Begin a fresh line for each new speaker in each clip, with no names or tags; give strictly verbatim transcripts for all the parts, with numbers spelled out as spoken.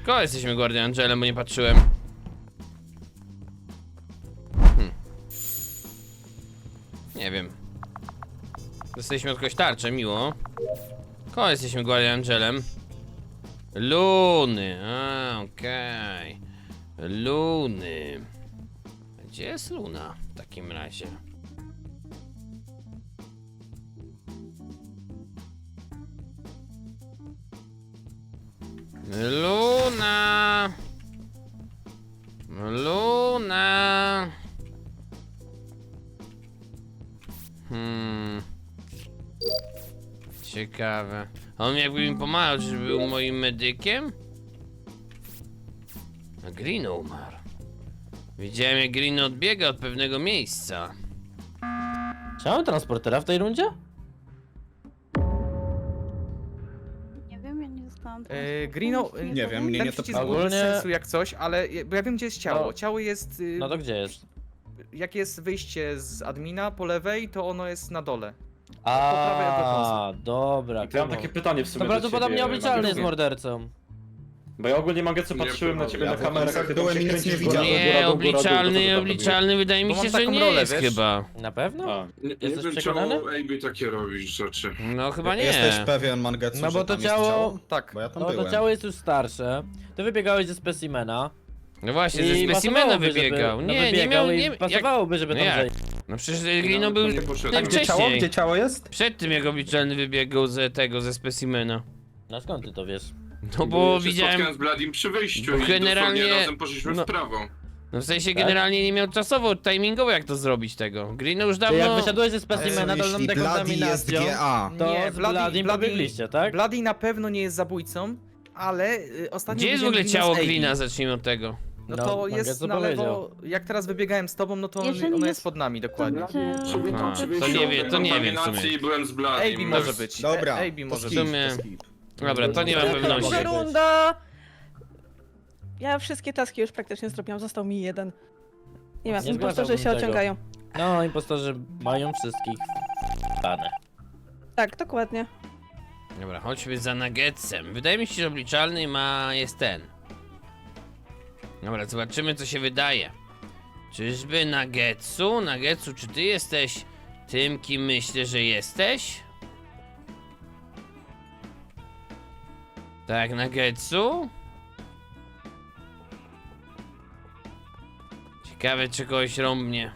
Kogo jesteśmy Guardian Angelem, bo nie patrzyłem. Hmm. Nie wiem. Dostaliśmy od kogoś tarczę, miło. Kogo jesteśmy Guardian Angelem? Luny, a okej. Okay. Luny. Gdzie jest Luna w takim razie? Luna. Luna. Hmm. Ciekawe. On jakby mi pomagał, czy był moim medykiem? A Green umarł. Widziałem, jak Green odbiega od pewnego miejsca.
Chciałem transportera w tej rundzie?
Nie wiem, ja nie zostałam.
E, Greeno, e,
Nie wiem, mnie
ten
nie to
przycisk był bez
ogólnie-
sensu jak coś, ale bo ja wiem gdzie jest ciało.
No.
Ciało jest, y,
No to gdzie jest?
jak jest wyjście z admina po lewej, to ono jest na dole. prawej od
A, dobra.
To ja mam
kurwa.
takie pytanie w sumie
To
do
prawdopodobnie
ciebie,
obliczalny jest
Mangetsu.
mordercą.
Bo ja ogólnie Mangetsu patrzyłem na ciebie
Ja
na
w
kamerach,
okolicach
ty tam
byłem
się
i nic
kręcisz
nie
góra,
widziałem.
dół, góra,
Nie,
dół, góra, dół, to co
obliczalny,
tam
obliczalny, wydaje mi
Bo
się,
mam
że
taką
nie
rolę,
jest
wiesz?
chyba.
Na pewno?
A,
Nie, nie
Jesteś
wiem,
przekonany?
czemu Ejbi takie robisz rzeczy.
No chyba nie.
Jesteś pewien, Mangetsu,
No bo
że
to
tam jest
ciało-
ciało?
Tak.
Bo ja tam
No to
byłem.
ciało jest już starsze. Ty wybiegałeś ze specimena.
No właśnie,
I
ze specimena
pasowałoby,
wybiegał.
żeby, no
Nie, nie
wybiegał
miał,
i
nie jak...
pasowałoby, żeby
no
tam
jak?
zejść.
No przecież Grino był
nie poszedłem.
A gdzie ciało?
najwcześniej.
Gdzie ciało jest?
Przed tym jak obliczalny wybiegał ze tego, ze specimena.
No skąd ty to wiesz?
No bo
się
widziałem...
spotkałem z Bladim przy wyjściu
bo
i
generalnie-
generalnie razem poszliśmy
no-
w prawo.
No w sensie
Tak?
generalnie nie miał czasowo, timingowo jak to zrobić tego. Grino już
Czy jak
dawno...
wysiadłeś ze
Co,
specimena dolną
jeśli Bloody jest
dekontaminacją,
G A?
to
Nie,
z
Bloody-
Bladim
Bloody-
pobiegliście, tak?
Bloody na pewno nie jest zabójcą, ale y, ostatnio
Gdzie jest w
widziałem
ogóle
Greena
ciało
z Ejbi.
Grina? Zacznijmy od tego.
No
No,
to
Mangetsu
jest na
powiedział.
lewo, jak teraz wybiegałem z tobą, no to on,
Jeżeli
ono jest
jest-
pod nami dokładnie.
Czy...
Aha,
Przy
to
wyjściu
nie wie, to nie wiem w
kontaminacji
sumie.
i byłem z Bladim.
Ejbi może być.
Dobra,
Ejbi
to
może
skip,
być.
sumie-
to skip.
Dobra, to nie mam
Może
pewności.
być.
Runda! Ja wszystkie taski już praktycznie zrobiłam, został mi jeden. Nie wiem,
Nie
impostorzy się
zgłaszałbym tego.
ociągają.
No, impostorzy mają wszystkich dane.
Tak, dokładnie.
Dobra, chodźmy za Nuggetsem. Wydaje mi się, że obliczalny ma... jest ten. Dobra, zobaczymy co się wydaje. Czyżby Nuggetsu? Nuggetsu, czy ty jesteś tym, kim myślę, że jesteś? Tak, Nuggetsu? Ciekawe, czy kogoś rąbnie.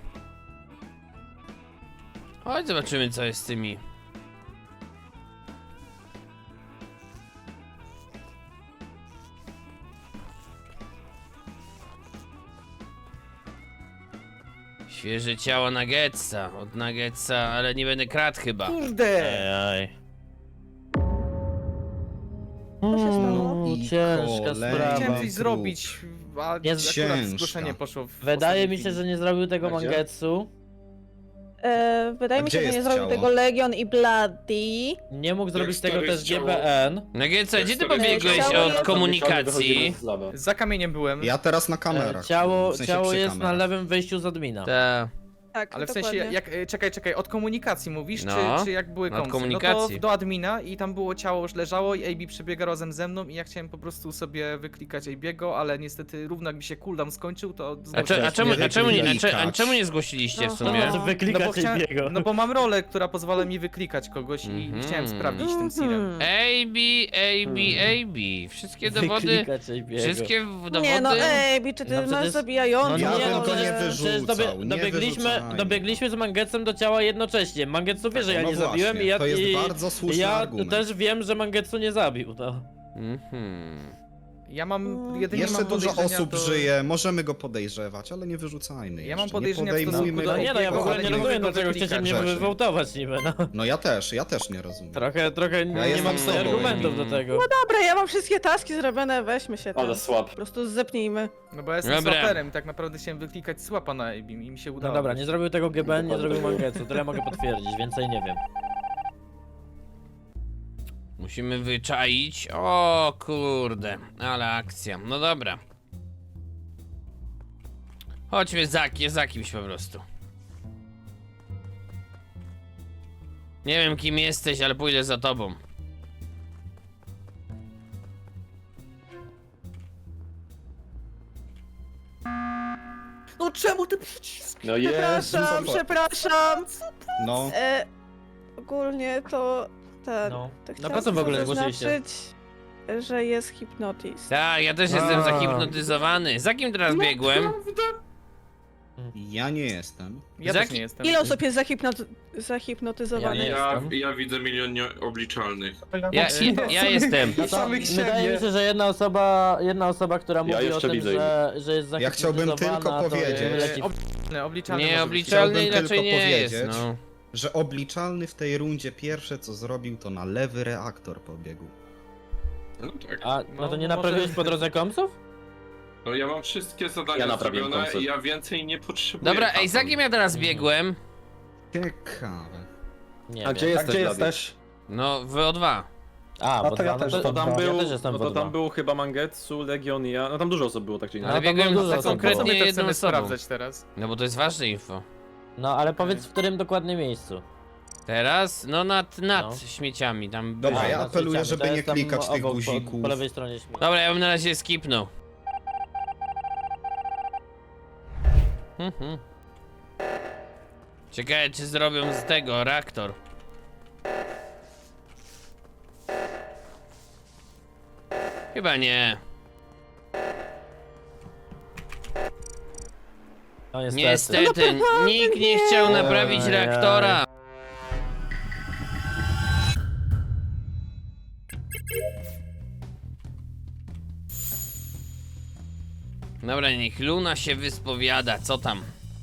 Chodź, zobaczymy co jest z tymi. Świeże ciało Nuggetsa, od Nuggetsa, ale nie będę kradł chyba.
Kurde!
Ej.
Co się stało?
Mm,
I
ciężka
kolejny
sprawa.
Chciałem coś
trup.
zrobić, a
Jest
akurat
ciężka.
zgłoszenie poszło w
Wydaje
ostatniej
mi się,
chwili.
że nie zrobił tego
A gdzie?
Mangetsu.
E, wydaje
A
mi
gdzie
się, że nie
jest
zrobił
ciało?
tego Legion i Bloody.
Nie mógł zrobić
stare
tego
jest
też
ciało?
G B N.
Nuggetsa, gdzie ty
Ciało
pobiegłeś
jest-
od komunikacji?
Za kamieniem byłem,
Ja teraz na
E,
kamerach.
Ciało,
w sensie
ciało
przy
jest na
kamerach.
lewym wyjściu z admina.
Ta.
Tak,
ale w
dokładnie.
sensie, jak, e, czekaj, czekaj, od komunikacji mówisz,
No,
czy, czy jak były
od
kąsy? No
komunikacji.
to do admina i tam było ciało już leżało i A B przebiega razem ze mną i ja chciałem po prostu sobie wyklikać A B'ego, ale niestety równo jak mi się cooldown skończył, to
A, cze, a, czemu, a, czemu nie, a, cze, a
Wyklikać.
czemu nie zgłosiliście w
No,
To
sumie?
znaczy
no
wyklikać
bo, chciałem,
jego.
no bo mam rolę, która pozwala mi wyklikać kogoś i
Mhm.
chciałem sprawdzić tym sealem.
Mhm.
A B, A B, A B. Wszystkie dowody,
Wyklikać jego.
wszystkie w- dowody...
Nie no, ej, czy ty
No
masz
przecież-
zabijający?
No
Ja
nie,
bym
no
go nie
przecież- przecież
wyrzucał,
dobie-
nie
dobiegliśmy,
wyrzucajmy.
dobiegliśmy z Mangetcem do ciała jednocześnie. Mangetsu wie, że ja
No
nie
właśnie,
zabiłem i ja,
to jest
i,
bardzo słuszny
ja
argument.
też wiem, że Mangetsu nie zabił. No.
Mhm.
Ja mam
Mm.
jedynie
Jeszcze
mam
dużo
podejrzenia
osób
do...
żyje, możemy go podejrzewać, ale nie wyrzucajmy
Ja mam
jeszcze.
podejrzenia w
nie
stosunku
podejmujmy
do
No
go.
nie no, ja w
Jego,
ogóle
ale
nie
nie
rozumiem,
mogę go
dlaczego chcecie mnie
wyklikać
rzeczy.
wywołtować niby, no.
No ja też, ja też nie rozumiem.
Trochę, trochę nie, nie
jestem
mam
z
tutaj
tobą,
argumentów do
Emil.
tego.
Dobra, ja mam wszystkie taski zrobione, weźmy się tam.
Ale słab.
Po prostu zepnijmy.
No bo ja jestem
Dobra.
swaperem i tak naprawdę chciałem wyklikać słapa na A B i mi się
No
udało.
dobra, nie zrobił tego G B N, nie
Dokładnie.
zrobił Mangetsu, to ja mogę potwierdzić, więcej nie wiem.
Musimy wyczaić. O kurde, ale akcja. No dobra. Chodźmy za, za kimś po prostu. Nie wiem kim jesteś, ale pójdę za tobą.
czemu ty przyciski?
No jest.
Przepraszam, przepraszam.
No,
E, ogólnie to ten.
No.
To
No
chciałam
po co w ogóle zgłosiliście?
zaznaczyć, że jest hipnotyzm.
Tak, ja też jestem
A.
zahipnotyzowany. Za kim teraz biegłem?
ja nie jestem.
Ja
Za
też
ki-
nie jestem.
Ile osób jest zahipnoty- zahipnotyzowanych?
Ja nie
Ja,
jestem.
ja widzę milion nieobliczalnych.
Ja, ja, ja jestem.
No to
Samych
wydaje
siebie.
mi się, że jedna osoba, jedna osoba, która mówi o
jeszcze
tym,
widzę
że, że jest
Ja chciałbym
zahipnotyzowana,
tylko
to
powiedzieć-
leci w-
Obliczalny, obliczalny może być.
Nieobliczalny
Chciałbym
raczej
tylko
nie jest,
powiedzieć,
no.
Że obliczalny w tej rundzie pierwsze co zrobił, to na lewy reaktor pobiegł.
No tak.
A, no
No,
to nie
może-
naprawiłeś po drodze komsów?
No ja mam wszystkie zadania
Ja naprawiłem
zrobione
koncept.
i ja więcej nie potrzebuję.
Dobra, ej,
Hasan.
za kim ja teraz biegłem?
Ciekawe.
Nie
A
wiem.
gdzie jesteś? Gdzie jesteś?
No, w O dwa.
A,
No
bo
to ja
dwa,
też
no
To tam
ja
był,
też jestem
no
w
to
O dwa.
tam był chyba Mangetsu, Legion i ja, no tam dużo osób było tak czy
No,
inaczej.
Ale
tam
biegłem
było dużo
za
osób.
konkretnie
Co my to
jedną
chcemy
osobą.
sprawdzać teraz?
No bo to jest ważne info.
No ale powiedz w którym dokładnie miejscu.
Teraz? No nad, nad
No.
śmieciami, tam
Dobra,
byłem.
ja
na
apeluję,
Twitchami,
żeby
to
nie
jest tam
klikać tych
obok, po,
guzików.
po lewej stronie śmieci.
Dobra, ja bym na razie skipnął. Mhm. Ciekawe, czy zrobią z tego reaktor. Chyba nie.
No niestety.
Niestety, nikt nie chciał naprawić
Ojej.
reaktora. Dobra, niech Luna się wyspowiada, co tam?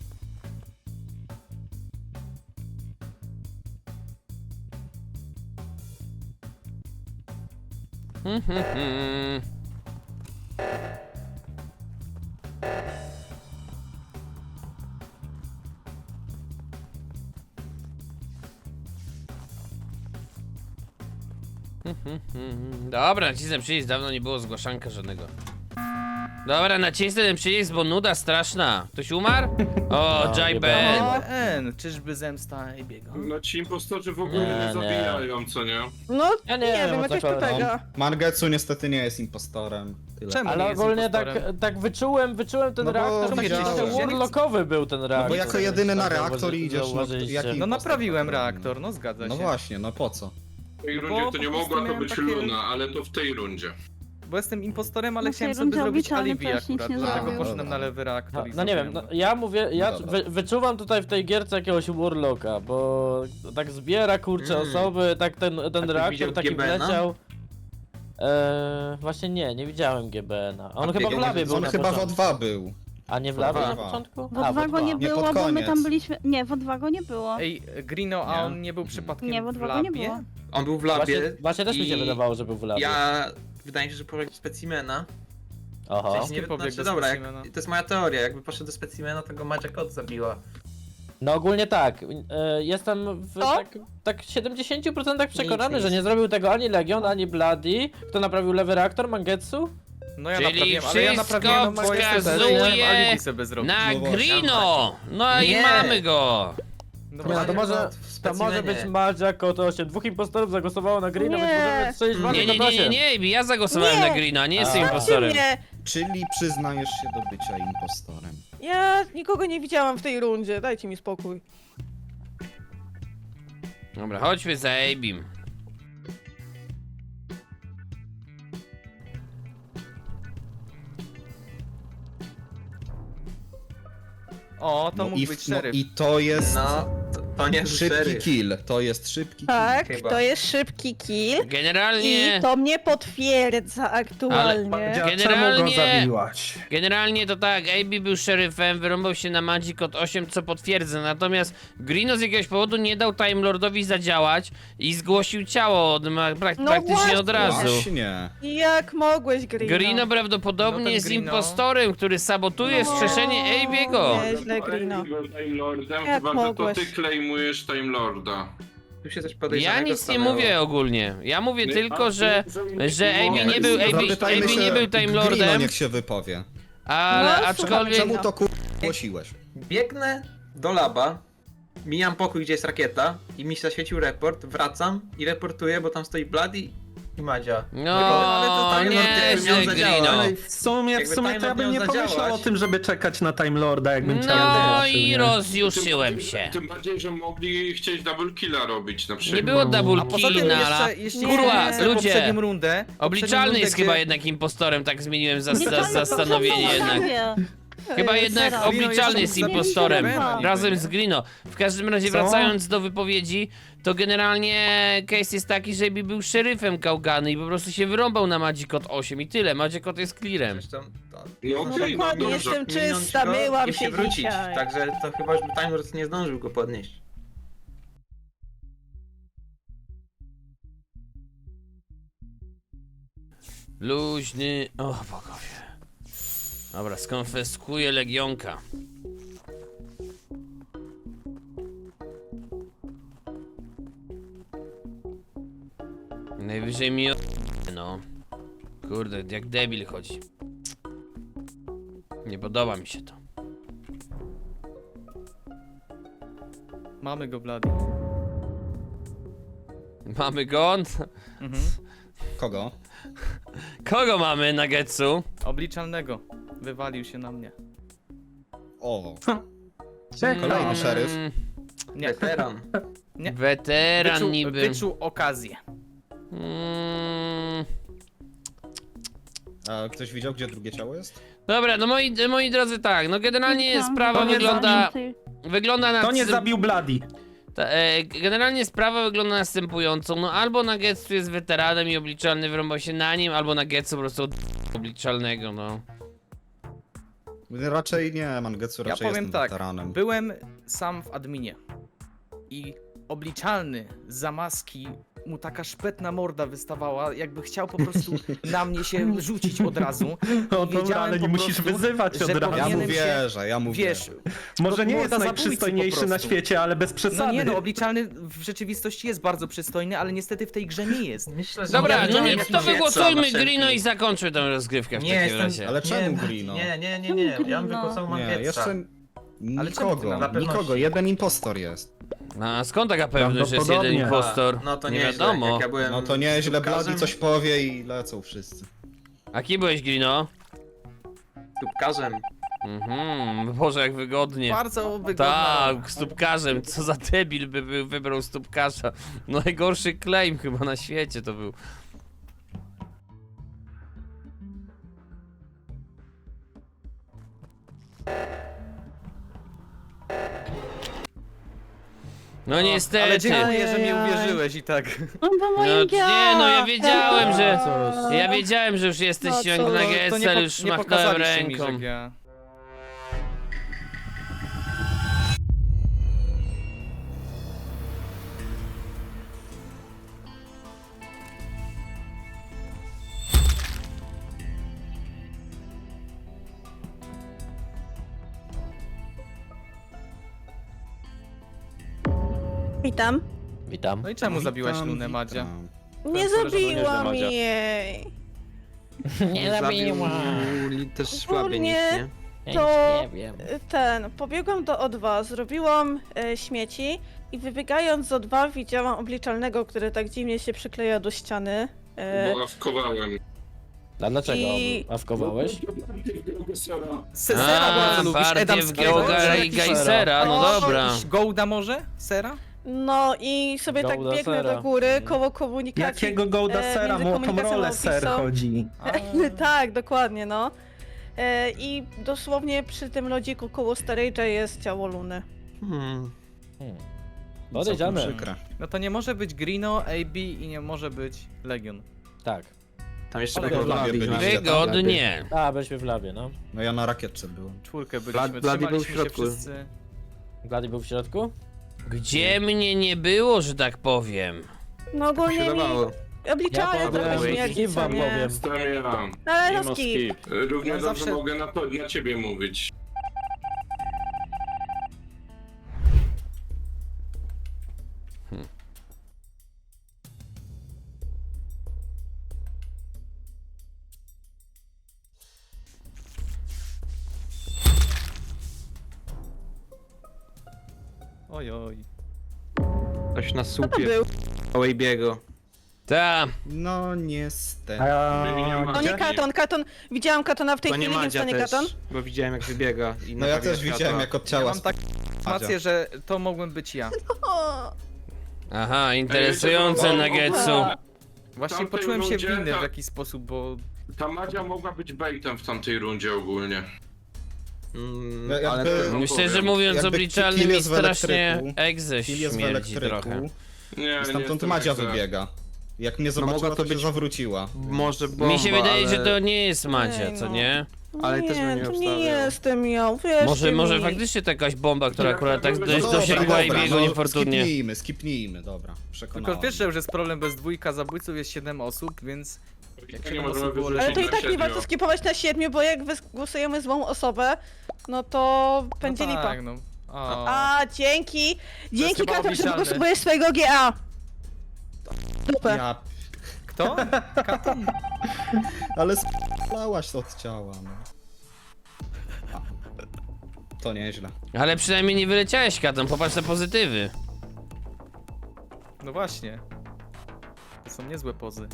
Hmm, hmm, hmm. Dobra, nacisnę przycisk, dawno nie było zgłaszanka żadnego. Dobra, nacisnę ten przycisk, bo nuda straszna. Ktoś umarł? O,
No,
Jai
nie
Ben.
było.
N, czyżby zemsta i biega?
No ci impostorzy w ogóle
Nie,
nie,
nie.
zabijają, co nie?
No,
Ja nie
nie,
wiem,
wiem,
o co
jakoś
chodzi.
to tego.
Mangetsu niestety nie jest impostorem. Tyle.
Czemu?
Ale
nie jest
ogólnie tak,
impostorem?
tak wyczułem, wyczułem ten
No bo
reaktor, taki
widziałem.
trochę warlockowy był ten reaktor.
No bo jako jedyny na
Tak
reaktor
zauważy-
idziesz, no to
zauważyliście.
jaki
No
impostor
naprawiłem
tak robi?
reaktor, no zgadza
No
się.
właśnie, no po co?
W tej
No
rundzie
bo
to nie
po prostu
mogła to
miałem
być
takie-
Luna, ale to w tej rundzie.
Bo jestem impostorem, ale
No w tej
chciałem sobie
rundzie
zrobić
obliczalny
alibi
też nic
akurat,
nie
dlatego
zrobił.
poszedłem
Dobra.
na lewy reaktor
No,
i
no nie wiem,
zrobiłem
no, ja mówię, ja
No dobra.
wy, wyczuwam tutaj w tej gierce jakiegoś warlocka, bo tak zbiera kurcze
Mm.
osoby, tak ten, ten
ktoś
reaktor
widział
taki
G B N-a?
wleciał. Eee, właśnie nie, nie widziałem G B N-a. On
A
chyba w
on-
labie był
On
na
chyba w
początku.
O dwa był.
A nie w labie na
dwa.
początku?
W
A,
O dwa go nie
Nie, pod
było, bo my
koniec.
tam byliśmy... Nie, w O dwa go nie było.
Ej, Grino, a
Nie.
on nie był przypadkiem
Nie, w O
w
dwa go nie
labie?
było.
On był w
Właśnie,
labie.
właśnie też mi się
i
wydawało, że był w labie.
Ja wydaje mi się, że poszedł do specimena.
Oho.
W sensie
Ty
nie,
pobiegł
znaczy,
do
dobra, jak,
specimena.
to jest moja teoria. Jakby poszedł do specimena, to go Madzia Kot zabiła.
No ogólnie tak, e, jestem w
Co?
tak, tak siedemdziesięciu procentach przekonany,
Nic,
że
nic.
nie zrobił tego ani Legion, ani Bloody. Kto naprawił lewy reaktor? Mangetsu?
No ja
Czyli
naprawiłem, ale ja
wszystko
naprawiłem, bo jestem
wskazuje
chciałem alibi sobie zrobić.
Na
No właśnie.
Grino! No i
Nie.
mamy go!
No
Nie, no to
Madzia
może,
Kot w
to może
specimenie.
być Madzia Kot osiem. Dwóch impostorów zagłosowało na Greena,
Nie.
więc możemy strzelić
Nie,
Madzię
Nie, nie,
Kot
nie, nie,
osiem.
nie, ja zagłosowałem
Nie.
na Greena, nie jestem
A.
impostorem.
Nie,
Czyli przyznajesz się do bycia impostorem.
ja nikogo nie widziałam w tej rundzie, dajcie mi spokój.
Dobra, chodźmy za Abim.
O, to
No
mógł
i,
być
w- no
szeryf.
i to jest
No, to, to nie
szybki
szeryf.
kill. To jest szybki
Tak,
Chyba.
to jest szybki kill.
Generalnie...
I to mnie potwierdza aktualnie.
Generalnie, generalnie to tak, A B był szeryfem, wyrąbał się na Magic Code osiem, co potwierdza, natomiast Greeno z jakiegoś powodu nie dał Time Lordowi zadziałać i zgłosił ciało od, ma, prak,
No
praktycznie
właśnie.
od razu.
Właśnie.
Jak mogłeś, Grino?
Greeno prawdopodobnie
No ten
jest
Greeno.
impostorem, który sabotuje
No.
wskrzeszenie Abiego.
Nie. Nieźle, Grino.
Time Lordem,
Jak
chyba że to
mogłeś?
ty claimujesz Time Lorda.
Tu się coś
Ja
podejrzanego
nic nie
stanęło.
mówię ogólnie, ja mówię
My-
tylko,
a,
że,
my-
że
my-
A B nie był, A B,
Zapytajmy
A B
się,
nie był Time
Grino
Lordem,
niech się wypowie.
ale
No,
aczkolwiek...
Czemu to kur... głosiłeś?
Biegnę do laba, mijam pokój, gdzie jest rakieta i mi zaświecił report, wracam i reportuję, bo tam stoi Bloody i Madzia.
No,
ale to tak, no, jakby miał
nieźle,
zadziałać.
Grino.
Ale w sumie, w
Jakby
sumie
Time
to ja
Lord
bym nie
miał
pomyślał
zadziałać.
o tym, żeby czekać na Time Lorda, jakbym chciał.
No
zobaczył,
i
nie?
rozjuszyłem się.
Tym bardziej, że mogli chcieć double killa robić na przykład.
Nie było double
A poza tym
killa.
jeszcze, jeśli
Kurwa,
chodzi o
ludzie.
poprzednią rundę...
Obliczalny
poprzednią
jest
rundę,
chyba
gdzie-
jednak impostorem, tak zmieniłem zas
Nie,
zas
to- to-
zastanowienie
to- to-
jednak.
to-
Chyba
Ej,
jednak
Sara.
obliczalny jest
Grino jeszcze
impostorem.
zabił
Razem
Grino.
z Grino. W każdym razie
Co?
wracając do wypowiedzi, to generalnie case jest taki, że Ebi był szeryfem Gałgany i po prostu się wyrąbał na Magikot osiem i tyle. Magikot jest clearem.
Zresztą to...
No
No
okej, no
dokładnie,
dobrze.
jestem
minąć
czysta,
go
myłam
i
się
wrócić.
dzisiaj.
Także to chyba już by Time Lord nie zdążył go podnieść.
Luźny... O bogowie. Dobra, skonfiskuję Legionka. Najwyżej mi o... no. Kurde, jak debil chodzi. Nie podoba mi się to.
Mamy go, Blady.
Mamy go?
Mhm.
Kogo?
Kogo mamy na Getsu?
Obliczalnego. Wywalił się na mnie.
O,
Czekaj.
kolejny szeryf.
Mm,
Nie,
Weteran.
nie.
Weteran
Wyczuł,
niby.
wyczuł okazję.
Mm.
A ktoś widział, gdzie drugie ciało jest?
Dobra, no moi, moi drodzy, tak, no generalnie
Tam,
sprawa
tam,
wygląda,
tam, tej-
wygląda na...
To nie zabił Bloody.
Ta, e, generalnie sprawa wygląda następująco, no albo Nagetsu jest weteranem i obliczalny wyrąbał się na nim, albo Nagetsu po prostu od obliczalnego, no.
Raczej nie, Mangetsu
Ja
raczej
powiem
jestem
tak,
weteranem.
byłem sam w adminie i obliczalny z zamaski mu taka szpetna morda wystawała, jakby chciał po prostu na mnie się rzucić od razu.
No dobra,
Wiedziałem
ale nie
po
musisz
prostu,
wyzywać
że
od razu.
Ja mu
powinienem się-
wierzę, ja mu
Wiesz,
wierzę.
Może nie jest
morda zabójcy
najprzystojniejszy
po
na
prostu.
świecie, ale bez przesady.
No nie no, obliczalny w rzeczywistości jest bardzo przystojny, ale niestety w tej grze nie jest.
Myślę, że
Dobra,
nie,
no
nie,
nie,
nie,
to
nie,
wygłosujmy
na wszelki-
Grino i zakończmy tę rozgrywkę w
Nie,
takim
jestem-
razie.
Ale czemu
Nie,
Grino?
Nie, nie, nie, nie. Ja bym
Grino?
wygłosował
Nie,
Mangetsa.
jeszcze
Ale czemu ty
nikogo,
na
pewności?
nikogo, jeden impostor jest.
No, a skąd taka pewność, że jest jeden
Prawdopodobnie.
impostor?
No to
nie
nieźle,
wiadomo.
jak ja byłem
No to nieźle,
tubkarzem-
Bloody coś powie i lecą wszyscy.
A kim byłeś, Grino?
Tubkarzem.
Mhm, Boże, jak wygodnie.
Bardzo wygodna.
Tak, stópkarzem, co za debil by był, wybrał stópkarza. Najgorszy claim chyba na świecie to był. No niestety.
Ale dziękuję, że mi uwierzyłeś i tak.
No bo
No,
moim
nie, no ja wiedziałem, że...
Cóż.
Ja wiedziałem, że już jesteś
No
jak
co,
na
To nie,
Getsel,
po,
już
nie
machnąłem
pokazaliście mi,
ręką.
że ja...
Witam.
Witam.
No i czemu zabiłaś
Witam,
Lunę,
witam.
Madzia?
Nie
To jest
zabiłam
Madzia.
jej.
Nie
Zabił też słaby nikt,
Ogólnie-
nie?
To-
nie wiem.
Ten, pobiegłam do O dwa, zrobiłam e, śmieci i wybiegając z O dwa widziałam obliczalnego, który tak dziwnie się przykleja do ściany. E,
Bo awkowałem.
A dlaczego?
I-
Awkowałeś?
Sera
A,
bardzo lubisz,
partię w
Edamskiego?
Geoga
Czy
i
jakiś-
Geisera, no
O,
dobra.
jakiś Gołda może? Sera?
no i sobie tak
Golda
biegnę
Sera.
do góry koło komunikacji.
Jakiego Golda
e,
Sera?
między
Mu o tą
komunikacją
rolę
a
ser
opisą.
chodzi.
Tak, dokładnie, no. E, I dosłownie przy tym lodziku koło Storage'a jest ciało Luny.
Hmm.
Hmm.
Całkiem
Podejdziemy.
przykre.
No to nie może być Grino, A B i nie może być Legion.
Tak.
Tam jeszcze
Ale
było
w labie
Bloody.
byliście.
Wygodnie.
A, byliśmy w labie, no.
No ja na rakietce byłem.
Czwórkę byliśmy,
Bloody był w
trzymaliśmy się
środku.
wszyscy.
Glady był w środku?
Gdzie mnie nie było, że tak powiem?
No
się
ogólnie mi
dawało.
obliczalnie
Ja
trochę
powiem,
śmierdzi,
skip
co
wam
nie?
powiem.
Stawiam.
Ale
Mimo
no skip.
skip.
Równie
Ja
dobrze
zawsze-
mogę na, to, na ciebie mówić.
Oj, oj.
Ktoś na
Co to
słupie
był?
Wabiego.
Ta,
No niestety.
A,
No nie
gdzie?
Katon, Katon, widziałam Katona w tej
To nie
chwili, więc to
Madzia
nie
też,
Katon.
bo widziałem jak wybiega i
No ja
naprawia
też widziałem
światła.
jak od
Ja
ciała
mam taką informację, że to mogłem być ja.
O,
aha, interesujące
Ej,
Nuggetsu.
Właśnie
tamtej
poczułem się
rundzie
winny w
ta-
jakiś sposób, bo
Ta Madzia mogła być baitem w tamtej rundzie ogólnie.
Mm,
Jakby-
ale to
Myślę, że
powiem.
mówiąc
Jakby
obliczalnym
kill
mi
jest w
strasznie
elektryku,
egze
Kill jest w
śmierdzi
elektryku
trochę.
Nie,
i
nie
stamtąd
jestem
Madzia
tak za.
wybiega. Jak mnie
No
zobaczyła,
mogła
to,
to
się
być-
zawróciła.
może bomba,
Mi się wydaje,
ale...
że to nie jest Madzia,
Ej,
co
no.
nie?
Ale
nie,
też bym nie
to nie
obstawiał.
jestem ja, wiesz
Może, może faktycznie to jakaś bomba, która
Ja
akurat tak
dobra,
dość
dobra,
dosięgła i
dobra,
biegła
no,
niefortunnie.
Skipnijmy, skipnijmy, dobra. Przekonałem.
tylko wiesz, że już jest problem bez dwójka zabójców, jest siedem osób, więc jak
Nie
siedem
możemy
osób było
wyrzucić
Ale to i
na
tak nie
siedmiu.
warto skipować na siedmiu, bo jak wygłosujemy złą osobę, no to będzie
no
lipa.
tak, no. O.
A, dzięki! Dzięki
chyba
Katon, że
obliczalne.
wygłosujesz swojego G A. Dupę.
Ja...
Kto? Katon?
Ale spalałaś od ciała, no. To nieźle.
Ale przynajmniej nie wyleciałeś Katon, popatrz na pozytywy.
No właśnie. To są niezłe pozy.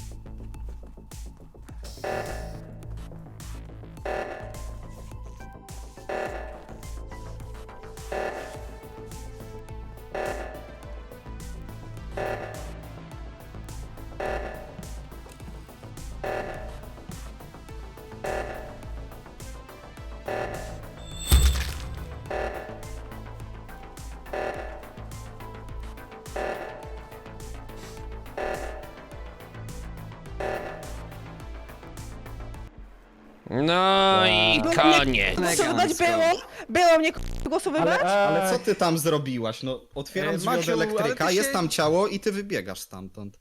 No i
Było
koniec.
Głosowywać było? Było mnie k***a głosowywać?
Ale,
Ale
e,
co ty tam zrobiłaś? No, otwieram
E,
drzwi od
Maciu, ale
elektryka,
ty się-
jest tam ciało i ty wybiegasz stamtąd.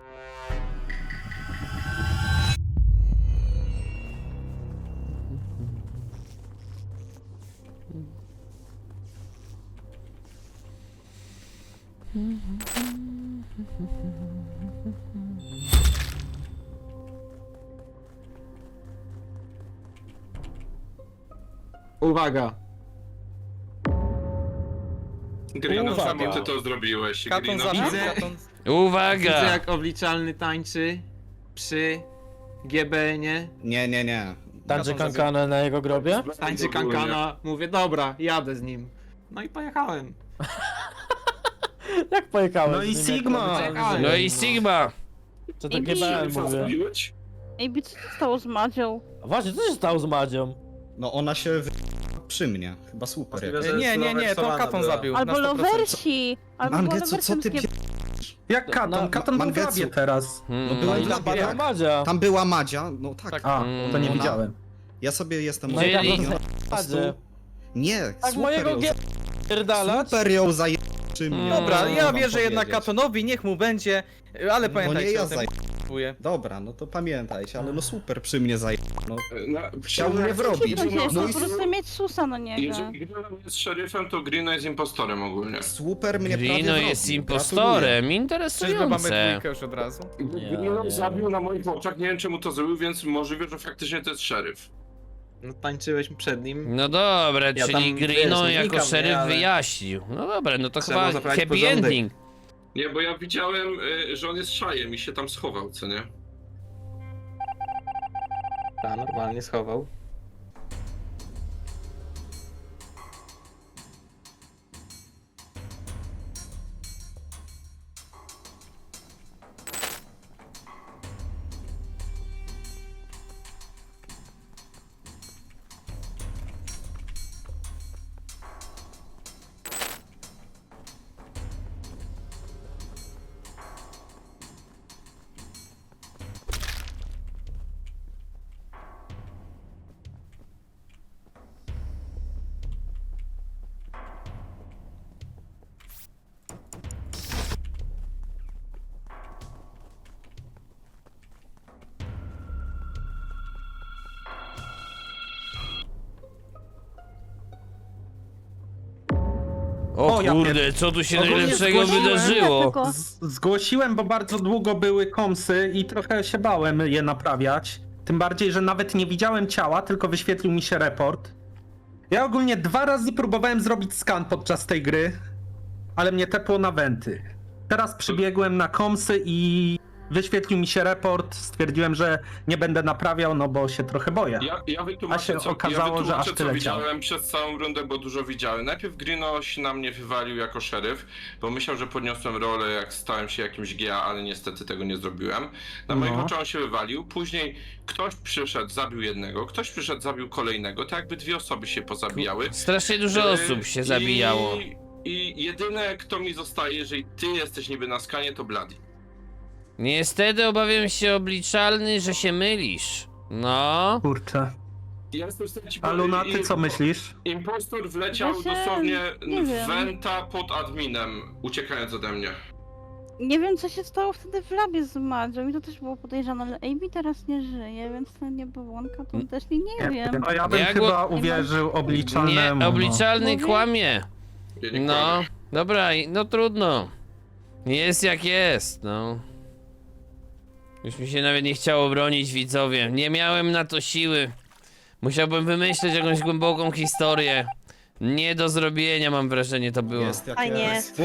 Uwaga!
Grino,
Uwaga.
czemu ty to zrobiłeś?
Katon
Grino,
zabił,
Widzę.
Katon...
Widzę
Uwaga!
jak obliczalny tańczy przy G B N-ie.
Nie, nie, nie.
tańczy
Katon
kankana na jego grobie?
Tańczy kankana, mówię dobra, jadę z nim. No i pojechałem.
Jak pojechałeś?
No i
z nim, jak
Sigma.
obliczalny
No
żyje?
No i Sigma!
Co to
I
G B N
Co
mówię?
zrobiłeś?
Ej, co się stało z Madzią?
Właśnie, co się stało z Madzią?
No ona się wy... przy mnie. Chyba super. Jak...
E, Nie, nie, nie, to Katon zabił. na
Albo
sto procent.
lowersi! Albo
Mangetsu, co
lowersem
ty
z G-
pie...
Jak Katon?
No,
Katon był w
Mangetsu.
labie teraz.
Hmm.
No była
No i
w
tam
labie,
była
tak.
Madzia.
Tam była Madzia, no tak.
Tak.
A, to nie
Ona-
widziałem.
Ja sobie jestem...
No i tam
Czyli-
ona
była
po prostu...
Madzie.
Nie,
Tak
super
mojego
ją
G... Pierdalać?
Super ją zaje... przy mnie.
Dobra,
Mm,
ja
mam
wierzę jednak
powiedzieć.
Katonowi, niech mu będzie, ale
No
pamiętajcie
nie ja
o tym.
zaje...
Dziękuję.
Dobra, no to pamiętajcie, ale no super przy mnie zaje... No,
Na,
chciał mnie wrobić.
To się
No
po
i
prostu mieć susa na niego.
Jeżeli Grino jest szeryfem, to Grino jest impostorem ogólnie.
super mnie prawie
Grino
wrobił.
jest impostorem,
Czyżby mamy
interesujące.
dwójkę już od razu?
Nie,
Grino
nie.
zabił na moich oczach, nie wiem czemu to zrobił, więc możliwe, że faktycznie to jest szeryf.
No tańczyłeś przed nim.
No dobra,
Ja
czyli
tam, wiesz,
Grino
no
jako
wnikam,
szeryf
nie, ale-
wyjaśnił. No dobra, no to
Trzeba
chyba
zaprawić
happy
porządek.
ending.
Nie, bo ja widziałem, y, że on jest szajem i się tam schował, co nie?
Ta, normalnie schował.
O
O, ja
kurde, co tu się
Ogólnie
najlepszego
zgłosiłem-
wydarzyło?
Tylko-
Z zgłosiłem, bo bardzo długo były komsy i trochę się bałem je naprawiać. Tym bardziej, że nawet nie widziałem ciała, tylko wyświetlił mi się report. Ja ogólnie dwa razy próbowałem zrobić skan podczas tej gry, ale mnie tepło na wenty. Teraz przybiegłem na komsy i wyświetlił mi się report, stwierdziłem, że nie będę naprawiał, no bo się trochę boję.
Ja, ja wytłumaczę,
A się
co,
okazało,
ja
że aż
wytłumaczę, co
tyle ciał.
widziałem przez całą rundę, bo dużo widziałem. Najpierw Grino się na mnie wywalił jako szeryf, bo myślał, że podniosłem rolę, jak stałem się jakimś G A, ale niestety tego nie zrobiłem. Na
No.
moich oczach on się wywalił, później ktoś przyszedł, zabił jednego, ktoś przyszedł, zabił kolejnego, to jakby dwie osoby się pozabijały.
Strasznie dużo
Yy,
osób się
i-
zabijało.
I jedyne, kto mi zostaje, jeżeli ty jesteś niby na skanie, to Bloody.
Niestety obawiam się, obliczalny, że się mylisz. No.
Kurczę.
Ja jestem w stanie ci
A Luna, ty
powiedzieć-
co myślisz?
Impostor wleciał
Właśnie,
dosłownie
nie
w
wiem.
Venta pod adminem, uciekając ode mnie.
Nie wiem, co się stało wtedy w labie z Madzią i to też było podejrzane, ale A B teraz nie żyje, więc to nie błąka, to też nie, nie wiem.
No ja bym
Ja go-
chyba uwierzył obliczalnemu.
Nie, obliczalny
Mówię-
kłamie.
Ja nie
No,
kłamię.
dobra, i- no trudno. Jest jak jest, no. Już mi się nawet nie chciało bronić, widzowie. Nie miałem na to siły. Musiałbym wymyśleć jakąś głęboką historię. Nie do zrobienia, mam wrażenie, to było.
Jest jak
A nie.
jest.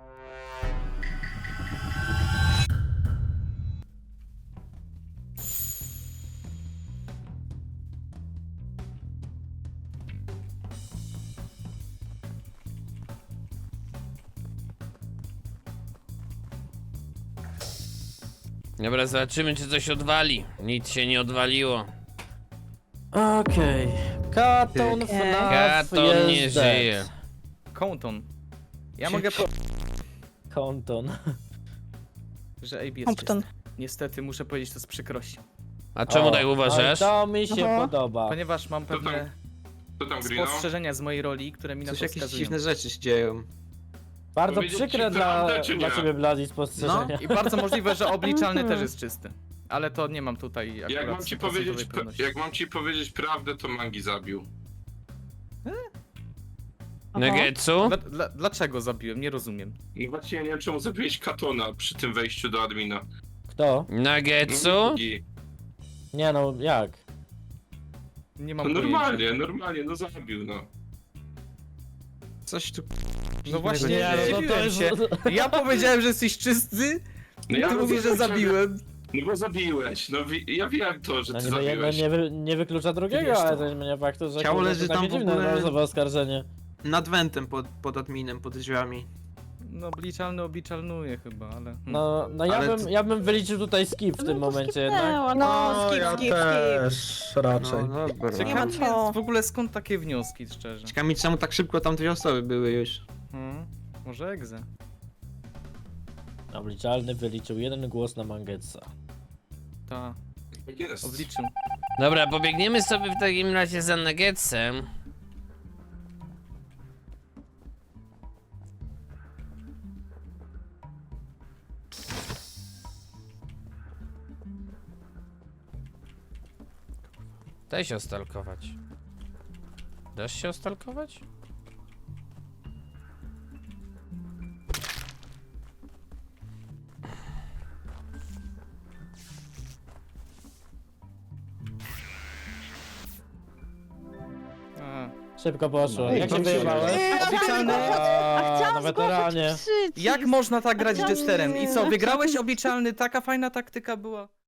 Dobra, zobaczymy, czy coś odwali. Nic się nie odwaliło.
Okej. Katon
Okej.
FNAF
Katon nie
jest
żyje.
dead.
Compton. Ja mogę po...
Konton.
że A B jest
Compton.
czysty. Niestety muszę powiedzieć to z przykrością.
A czemu
O,
tak uważasz?
no i to mi się
Aha.
podoba.
Ponieważ mam
To tam-
pewne
Co tam, Grino?
spostrzeżenia z mojej roli, które mi na
Coś
to
jakieś
wskazują.
dziwne rzeczy się dzieją.
Bardzo
Powiedzieć ci
przykre dla,
prawdę, czy
dla
nie?
ciebie Blady spostrzeżenia.
I bardzo możliwe, że obliczalny też jest czysty. Ale to nie mam tutaj akurat
Jak mam ci
stuprocentowej
powiedzieć,
pewności.
jak mam ci powiedzieć prawdę, to Mangi zabił.
Negetsu?
Dla, dla, dlaczego zabiłem? Nie rozumiem.
I właśnie ja nie wiem, czemu zabiłeś Katona przy tym wejściu do admina.
Kto?
Negetsu?
Mangi.
Nie no, jak?
Nie
No
mam pojęcia.
normalnie, normalnie, no zabił, no.
Coś tu...
No właśnie,
Nie, no to, to
dziwiłem
jest...
się. Ja powiedziałem, że jesteś czysty,
No
i ty mówisz, że zabiłem.
No bo zabiłeś, no wi- ja wiem to, że
No
ty
niby jedno
zabiłeś.
nie, wy, nie wyklucza drugiego,
Wiesz
ale
to.
to nie zmienia faktu, że
Ciało
kurde,
leży
to
tam
takie
w
dziwne
ogóle-
razowe oskarżenie.
Nad wentem pod, pod adminem, pod drzwiami.
No obliczalny obliczalnuje chyba, ale... hmm.
No, no ja,
Ale
bym,
to-
ja bym wyliczył tutaj skip w tym
No to
momencie jednak.
skipnęła,
No,
no.
skip,
ja
skip, skip.
też raczej.
No dobra.
Nie ma
Ciekawe
co.
w ogóle skąd takie wnioski, szczerze.
Ciekawe mi, czemu tak szybko tam dwie osoby były już.
Hmm, może egzę.
Obliczalny wyliczył jeden głos na Mangetsa.
Ta,
Tak jest.
obliczył.
Dobra, pobiegniemy sobie w takim razie za Nuggetsem. Daj się ostalkować. Dasz się ostalkować?
A.
Szybko poszło.
No,
Jak się
dobrze.
wyjebałeś?
Obliczalny?
A,
Chciałam
na weteranie.
zgłosić przycisk.
Jak można tak grać
Chciałam-
Jesterem? I co, wygrałeś obliczalny? Taka fajna taktyka była.